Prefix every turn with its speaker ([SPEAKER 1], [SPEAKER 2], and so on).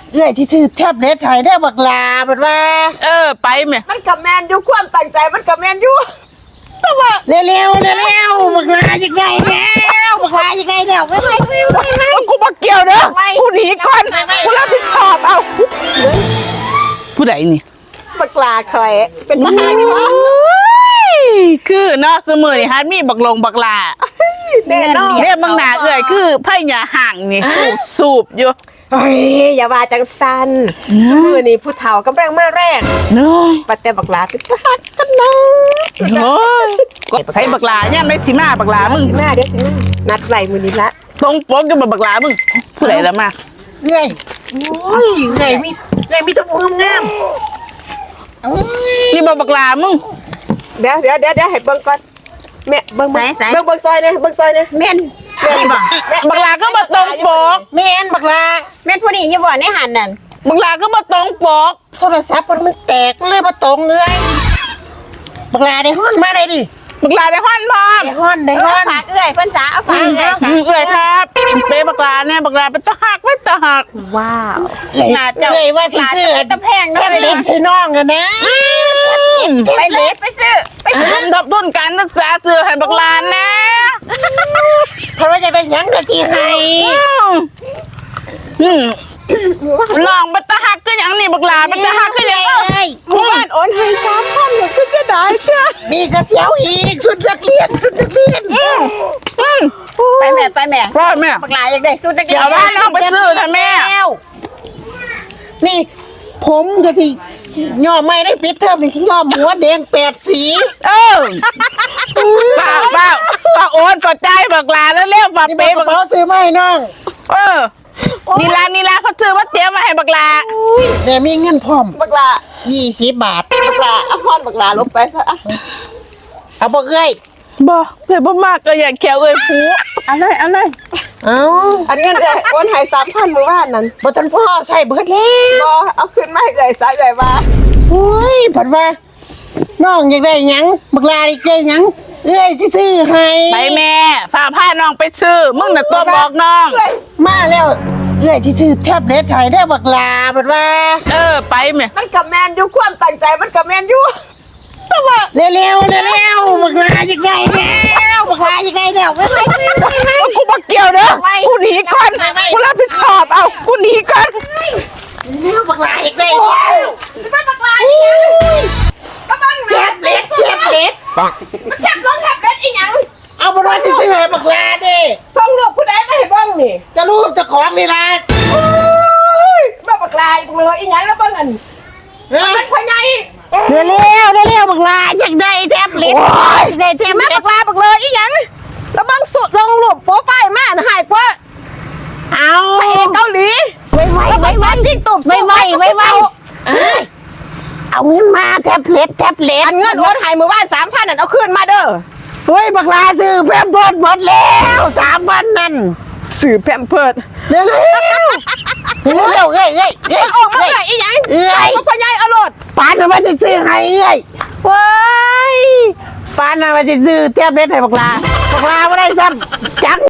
[SPEAKER 1] เอ้ยที่ชื่อแทบเล็ดหายได้บักลาบัดว่า
[SPEAKER 2] ไปแม่
[SPEAKER 3] มันกับแมนอยู่ความตั้งใจมันกับแมนอยู่แต่ว่า
[SPEAKER 1] เร็วบักลายังไงแล้วบักลายังไงแล้วไม่
[SPEAKER 2] กูมาเกี่ยวเด้อกูหนีก่อนกูรับผิดชอบเอาผู้ใดนี่
[SPEAKER 3] บักลาคอยเป็นทหารอยู่
[SPEAKER 2] คือเนาะเสมอนี่ฮัดมีบักลงบักลา
[SPEAKER 3] แน่นอน
[SPEAKER 2] เนี่ยบางหนาคือไพ่หยาห่างนี่สูบอยู่
[SPEAKER 3] เฮ้ยอย่าว่าจังสันสมือนี่ผู้เฒ่ากำลังมาแรก
[SPEAKER 2] เนาะ
[SPEAKER 3] ปัดแต่บักลาเป็นทหารกันนะ
[SPEAKER 2] โอ้ก็ให้บักลาเนี่ยไม่สิมาบักลามึง
[SPEAKER 3] สิมาเดี๋ยวสิมานัดไหลมือนี้ละ
[SPEAKER 2] ตรงปกกับบักลามึงผู้ใดละมา
[SPEAKER 1] เอ้ยเอ้ยมีตัวงาม
[SPEAKER 2] นี่บักลามึง
[SPEAKER 3] เดี๋ยวให้เบิ่งก่อนแม่เบิ่งซอยเนี่ย
[SPEAKER 4] แม่น
[SPEAKER 2] บักลาก็มาตรงปก
[SPEAKER 1] แม่นบักลา
[SPEAKER 4] แม่นผู้นี้อย่าบ่ในหันนั่น
[SPEAKER 2] บักลาก็มาตรงปก
[SPEAKER 1] โทรศัพท์มันแตกเลยมาตรงเลยบักลาได้ฮ้อนมาได้ดิ
[SPEAKER 2] บักลาได้ฮ้อนพร้อม
[SPEAKER 1] ได้ฮ้อน
[SPEAKER 4] ฝากเอื้อยเพิ่นจ๋าเอาฝากเ
[SPEAKER 2] อื้อยครับเป๊บักลาเนี่ยบักลาเป็นตะหักไม่ตะหัก
[SPEAKER 4] ว้าว
[SPEAKER 1] น่าจะว่าสิซื้อ
[SPEAKER 4] ตะแพงเด้อ
[SPEAKER 1] เล็ดให้น้องนะ
[SPEAKER 4] ไปเลยไปซื้อ
[SPEAKER 2] ทับทุนการศึกษาซื้อให้บักลานะ
[SPEAKER 1] เพราะว่าจะได้ยังก็สิให้
[SPEAKER 2] ลองเป็นตะหักก็อย่างนี้บักลาเป็นตะหักก็อย่าง
[SPEAKER 3] หมู่บ้านโอนให้3,000เนี่ยก็จะได้จ้ะ
[SPEAKER 1] มีกระเสียวอีกชุดนักเรียน
[SPEAKER 4] ไปแม่
[SPEAKER 2] พ่อแม่
[SPEAKER 4] บักลาอยากได้ชุดนักเรียน
[SPEAKER 2] เดี๋ยวว่าลองไปซื้อนะแม่
[SPEAKER 1] นี่ผมก็ที่ย่อไม่ได้ปิดเทอมนี่ที่ย่อหัวแดง8 สี
[SPEAKER 2] ป้าโอนกดใจบักลาแล้วเรียกฝากเป๊บักลา
[SPEAKER 1] ซื้อมาให้น้อง
[SPEAKER 2] นี่ละเขาซื้อมาเตรียมมาให้บักลา
[SPEAKER 1] แต่มีเงินพร้อม
[SPEAKER 3] บักลา
[SPEAKER 1] 20 บาท
[SPEAKER 3] บักลาเอาพรบักลาลบไปซะ
[SPEAKER 1] เอาบ่เอ้ย
[SPEAKER 2] บ่เดี๋ยวบ่มากก็อยากแขวเอ้ยผู
[SPEAKER 4] เอาเลย
[SPEAKER 1] อัน
[SPEAKER 3] เงินโอนให้3,000มื้อวานนั้น
[SPEAKER 1] บ่ทันพ่อใช้เบิดแล้ว
[SPEAKER 3] บ่เอาขึ้นมาให้เลยซะเลยว่า
[SPEAKER 1] โอ้ยผัดว่าน้องอยากได้หยังบักลาอยากได้หยังเอ้ยซื้อให้
[SPEAKER 2] ไปแม่ฝากผ้าน้องไปซื้อมึงน่ะตัวบอกน้อง
[SPEAKER 1] มาแล้วเอ้ยซื้อแทบเล็ดหายได้บักลาผัดว่า
[SPEAKER 2] ไปแม่
[SPEAKER 3] มันกับแมนอยู่ความตั้งใจมันกับแมนอยู่แต่ว่า
[SPEAKER 1] เร็วบักลายังไงแล้วบักลายังไงแล้ว
[SPEAKER 2] กูมาเกี่ยวเด้อกูหนีก่อนกูรับผิดชอบเอากูหนีก่อน
[SPEAKER 1] บักลายังไงแล้ว
[SPEAKER 3] สิมาบักลาอีหยังมาบัง
[SPEAKER 1] แทบเล็ด
[SPEAKER 3] มันจับลงแทบเล็ดอีหยัง
[SPEAKER 1] เอาบ่ว่าซื้อให้บักลาเด้
[SPEAKER 3] ส่งรูปผู้ใดมาให้เบิ่งนี่
[SPEAKER 1] จะรูปเจ้าของนี่ล่ะ
[SPEAKER 3] มาบักลาอีกเลยอีหยังแล้วเบิ่งอันมันพ่อใหญ่
[SPEAKER 1] เร็วบักลาอยากได้แทบเล็ดได้แทบมาบักลาบักเลยอีหยัง
[SPEAKER 3] แล้วเบิ่งสุดลงรูปโปรไฟล์มาหายกว่า
[SPEAKER 1] เอา
[SPEAKER 3] ไปเกาหลี
[SPEAKER 1] ไว
[SPEAKER 3] จิ้งตุ่ม
[SPEAKER 1] ไวเอาเงินมาแทบเล็ด
[SPEAKER 3] อันเงินโอนให้มื้อวาน 3,000นั่นเอาคืนมาเด้อ
[SPEAKER 1] เฮ้ยบักลาซื้อแพมเพิร์สหมดแล้ว3 วันนั่น
[SPEAKER 3] ซื้อแพมเพิร์ส
[SPEAKER 1] เร็วเอ้ย
[SPEAKER 3] ออกมาได้อีหยังพ่อใหญ่เอารถ
[SPEAKER 1] ปานมาจะซื้อให้เอ้ยว้ายปานมาจะซื้อแทบเล็ดให้บักลาบ่ได้ซ้ำจัง